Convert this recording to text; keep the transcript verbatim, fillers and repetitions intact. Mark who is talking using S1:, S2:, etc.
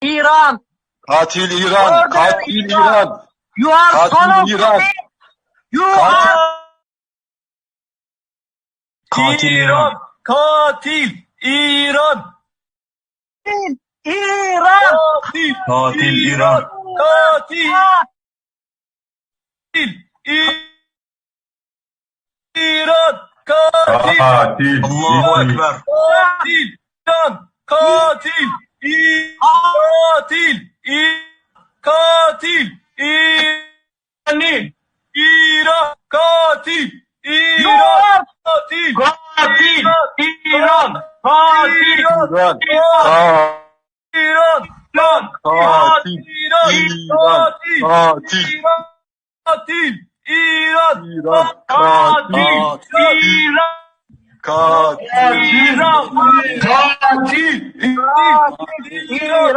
S1: Iran.
S2: Katil İran.
S1: Murder
S2: Katil
S1: İran.
S2: İran.
S1: You are son of
S2: Katil İran.
S1: bitch. You
S2: Katil.
S1: are
S3: Katil İran. Katil İran.
S1: İran.
S3: Katil
S2: Katil
S3: İran. Katil İran. Katil.
S2: Katil.
S3: Allahu Ekber. Katil İran. Katil Katil Katil İran. İran. Katil
S1: You
S3: İran.
S1: are
S3: Katil
S1: katil. İran. Katil.
S2: İran.
S3: İran. İran. Lan.
S2: Katil.
S3: İran.
S2: İran.
S3: Katil.
S2: Katil.
S3: İran. Katil. İran.
S2: İran.
S3: Katil.
S2: Katil.
S3: İran.
S2: Katil.
S3: İran. Katil. İran.